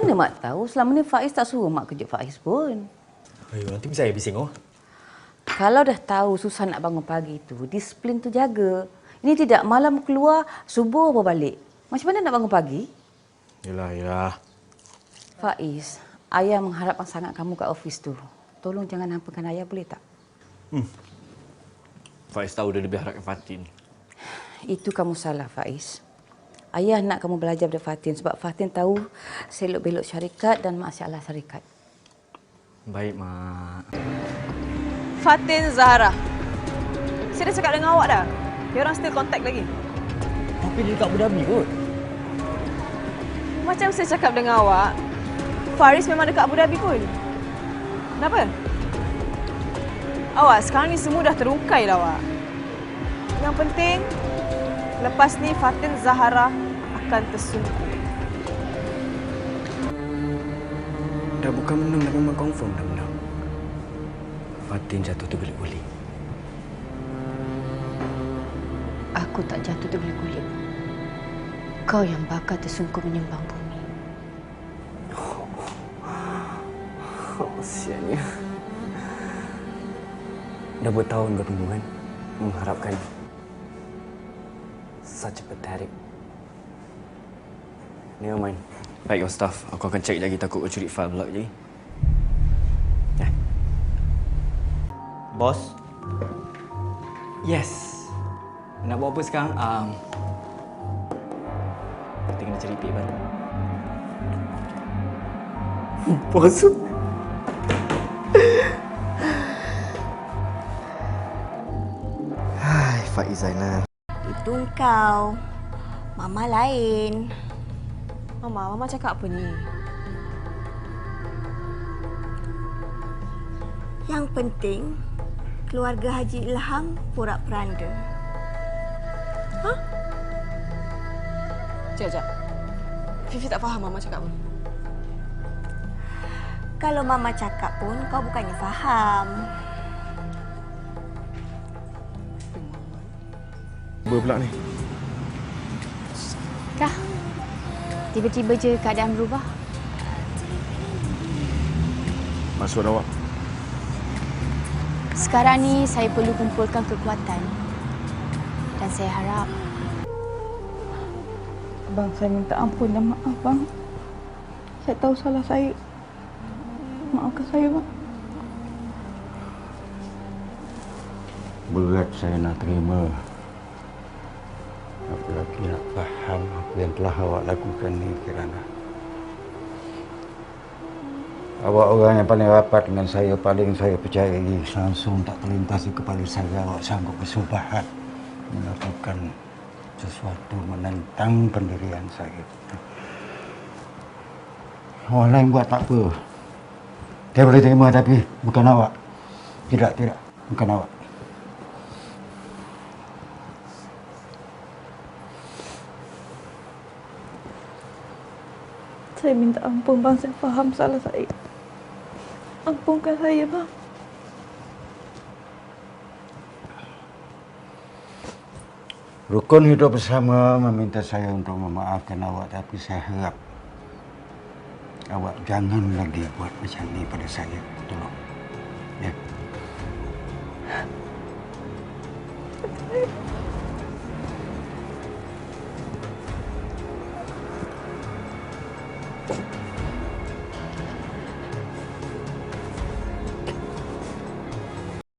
Mana Mak tahu, selama ni Faiz tak suruh Mak kejut Faiz pun. Ayo, nanti saya bising oh. Kalau dah tahu susah nak bangun pagi tu, disiplin tu jaga. Ini tidak malam keluar, subuh baru balik. Macam mana nak bangun pagi? Yelah. Faiz, ayah mengharapkan sangat kamu kat office tu. Tolong jangan hampakan ayah, boleh tak? Faiz tahu dia lebih harapkan Fatin. Itu kamu salah, Faiz. Ayah nak kamu belajar pada Fatin sebab Fatin tahu selok-belok syarikat dan masalah syarikat. Baik, Mak. Fatin Zahara. Saya dah cakap dengan awak dah. Dia orang still contact lagi. Tapi dia dekat Abu Dhabi kot. Macam saya cakap dengan awak, Faris memang dekat Abu Dhabi pun. Kenapa? Awak, sekarang ni semua dah terungkai dah awak. Yang penting, lepas ni Fatin Zahara akan tersungkur. Dah bukan menang, dah memang confirm dah menang. Fatin jatuh terguling-guling. Aku tak jatuh terguling-guling. Kau yang bakal tersungkur menyumbang bumi. Siannya. Dah bertahun kau tunggu kan? Mengharapkan. Such a pathetic. Never mind. Baik, your staff. Aku akan cek lagi, takut kau curi file pula lagi. Bos? Yes. Nak buat apa sekarang? Kita kena cari pik baru. Bos. Hai, Faiz Zainal. Itu kau. Mama lain. Mama cakap apa ni? Yang penting, keluarga Haji Ilham porak-peranda. Sekejap. Fifi tak faham Mama cakap apa. Kalau Mama cakap pun, kau bukannya faham. Apa pula ni? Kah? Tiba-tiba je keadaan berubah. Maksud awak? Sekarang ni saya perlu kumpulkan kekuatan. Dan saya harap Abang, saya minta ampun dan maaf, Bang. Saya tahu salah saya. Maafkan saya, Bang. Berat saya nak terima. Apalagi nak faham apa yang telah awak lakukan ni, Kirana. Awak orang yang paling rapat dengan saya, paling saya percayai. Langsung tak terlintas di kepala saya awak sanggup bersubahat melakukan sesuatu menentang pendirian saya. Orang lain buat tak apa. Saya boleh terima, tapi bukan awak. Tidak, bukan awak. Saya minta ampun, Bang. Saya faham salah saya. Ampunkan saya, Bang. Rukun hidup bersama meminta saya untuk memaafkan awak, tapi saya harap awak jangan lagi buat macam ni pada saya. Tolong. Ya.